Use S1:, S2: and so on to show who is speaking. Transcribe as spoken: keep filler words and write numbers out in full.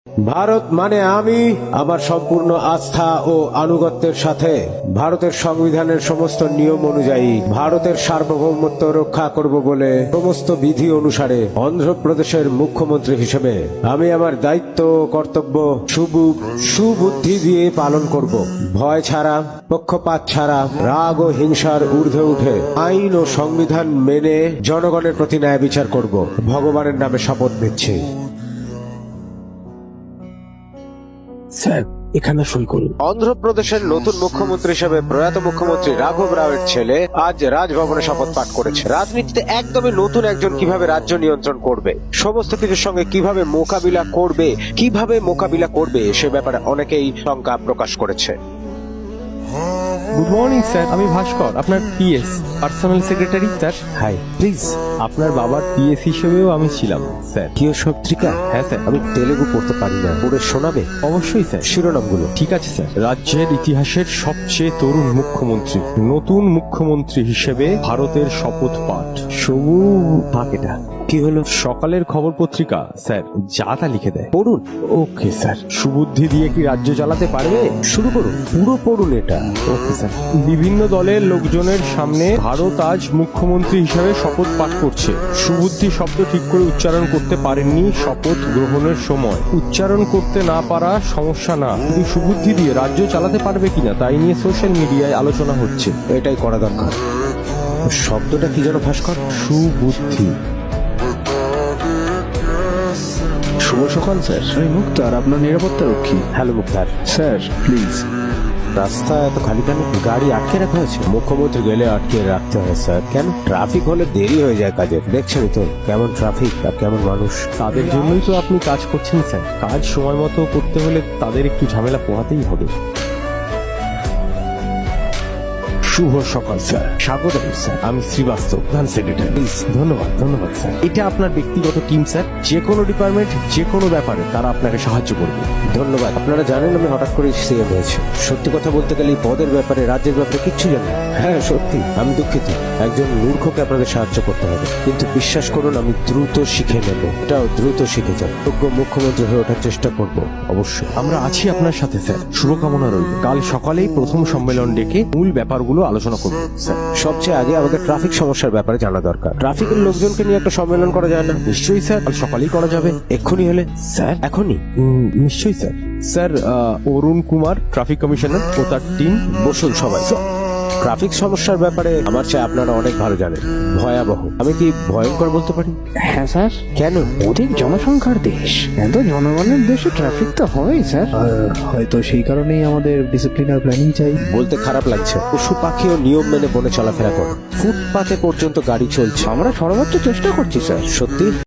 S1: ভারত মানে আমি আমার সম্পূর্ণ আস্থা ও আনুগত্যের সাথে ভারতের সংবিধানের সমস্ত নিয়ম অনুযায়ী ভারতের সার্বভৌমত্ব রক্ষা করব বলে সমস্ত বিধি অনুসারে অন্ধ্রপ্রদেশের মুখ্যমন্ত্রী হিসেবে আমি আমার দায়িত্ব ও কর্তব্য সুবু- সুবুদ্ধি দিয়ে পালন করব। ভয় ছাড়া, পক্ষপাত ছাড়া, রাগ ও হিংসার ঊর্ধ্বে উঠে আইন ও সংবিধান মেনে জনগণের প্রতি ন্যায় বিচার করব। ভগবানের নামে শপথ নিচ্ছি।
S2: স্যার এখানে সই করুন।
S1: অন্ধ্রপ্রদেশের নতুন মুখ্যমন্ত্রী হিসেবে প্রয়াত মুখ্যমন্ত্রী রাঘব রাওয়ের ছেলে আজ রাজভবনে শপথ পাঠ করেছে। রাজনীতিতে একদমই নতুন একজন কিভাবে রাজ্য নিয়ন্ত্রণ করবে, সমস্ত কিছুর সঙ্গে কিভাবে মোকাবিলা করবে কিভাবে মোকাবিলা করবে সে ব্যাপারে অনেকেই শঙ্কা প্রকাশ করেছে।
S2: গুড মর্নিং স্যার, আমি ভাস্কর, আপনার PS personal secretary. Sir
S1: hi, please.
S2: আপনার বাবার পিএস হিসেবেও আমি ছিলাম স্যার।
S1: কিয় সত্রিকা?
S2: হ্যাঁ স্যার।
S1: আমি তেলেগু পড়তে পারি না, পড়ে শোনাবে?
S2: অবশ্যই স্যার।
S1: শিরোনামগুলো।
S2: ঠিক আছে স্যার। রাজ্যের ইতিহাসের সবচেয়ে তরুণ মুখ্যমন্ত্রী, নতুন মুখ্যমন্ত্রী হিসেবে ভারতের শপথ পাঠ। সবু থাক এটা।
S1: কি হলো?
S2: সকালের খবর পত্রিকা স্যার যা তা লিখে দেয়।
S1: পড়ুন।
S2: Okay sir. সুবুদ্ধি দিয়ে কি রাজ্য চালাতে পারবে?
S1: শুরু করুন, পুরো পড়ুন এটা।
S2: Okay sir. বিভিন্ন দলের লোকজনের সামনে ভারত আজ মুখ্যমন্ত্রী হিসেবে শপথ পাঠ করছে। সুবুদ্ধি শব্দ ঠিক করে উচ্চারণ করতে পারেননি শপথ গ্রহণের সময়। উচ্চারণ করতে না পারা সমস্যা না, কিন্তু সুবুদ্ধি দিয়ে রাজ্য চালাতে পারবে কিনা তাই নিয়ে সোশ্যাল মিডিয়ায় আলোচনা হচ্ছে।
S1: এটাই করা দরকার। শব্দটা কি যেন ভাস্কর?
S2: সুবুদ্ধি।
S3: শুভ সকাল স্যার। আমি মুক্তার, আপনার নিরাপত্তা রক্ষী।
S1: হ্যালো মুক্তার।
S3: Sir please.
S1: রাস্তা এত খালি কেন? গাড়ি আটকে রাখা হয়েছে? মুখ্যমন্ত্রী গেলে আটকে রাখতে হয় স্যার। কেন? ট্রাফিক হলে দেরি হয়ে যায় কাজে। দেখছেনই তো কেমন ট্রাফিক আর কেমন মানুষ।
S2: তাদের জন্যই তো আপনি কাজ করছেন স্যার। কাজ সময় মতো করতে হলে তাদের একটু ঝামেলা পোহাতেই হবে।
S1: শুভ সকাল স্যার।
S2: স্বাগত স্যার। আমি শ্রীবাস্তব, প্রধান সেক্রেটারি। ধন্যবাদ ধন্যবাদ স্যার। এটা আপনার ব্যক্তিগত টিম স্যার। যে কোনো ডিপার্টমেন্ট যে কোনো ব্যাপারে তারা আপনাকে সাহায্য করবে।
S1: ধন্যবাদ। আপনারা জানেন আমি হঠাৎ করে সিএম হয়েছে। সত্যি কথা বলতে গেলে এই পদের ব্যাপারে, রাজ্যের ব্যাপারে কিচ্ছু জানি না। হ্যাঁ সত্যি আমি দুঃখিত। একজন মূর্খকে আপনাদের সাহায্য করতে হবে, কিন্তু বিশ্বাস করুন আমি দ্রুত শিখে নেব। এটাও দ্রুত শিখে যাব। যোগ্য মুখ্যমন্ত্রী হয়ে ওঠার চেষ্টা করব অবশ্যই।
S2: আমরা আছি আপনার সাথে স্যার। শুভকামনা রইল। কাল সকালেই প্রথম সম্মেলন ডেকে মূল ব্যাপারগুলো আলোচনা করব স্যার।
S1: সবচেয়ে আগে আমাদের ট্রাফিক সমস্যার ব্যাপারে জানা দরকার। ট্রাফিকের লোকজনকে নিয়ে একটা সম্মেলন করা যায় না?
S2: নিশ্চয়ই স্যার, কাল সকালেই করা যাবে।
S1: এক্ষুনি হলে?
S2: স্যার
S1: এখনই?
S2: উম, নিশ্চয়ই স্যার। স্যার আহ, অরুণ কুমার ট্রাফিক কমিশনার ও তার টিম।
S1: বসুন সবাই। ট্রাফিক সমস্যার ব্যাপারে আমার চেয়ে আপনারা অনেক ভালো জানেন। ভয়াবহ, আমি কি ভয়ঙ্কর বলতে পারি?
S3: হ্যাঁ স্যার।
S1: কেন?
S3: অধিক জনসংখ্যার দেশ, এত জনগণের দেশে ট্রাফিক তো হয় স্যার। আর হয়তো সেই কারণেই আমাদের ডিসিপ্লিনার প্ল্যানিং চাই।
S1: বলতে খারাপ লাগছে, পশু পাখিও নিয়ম মেনে বনে চলাফেরা করে। ফুটপাতে পর্যন্ত গাড়ি চলছে।
S3: আমরা সর্বোচ্চ চেষ্টা করছি স্যার।
S1: সত্যি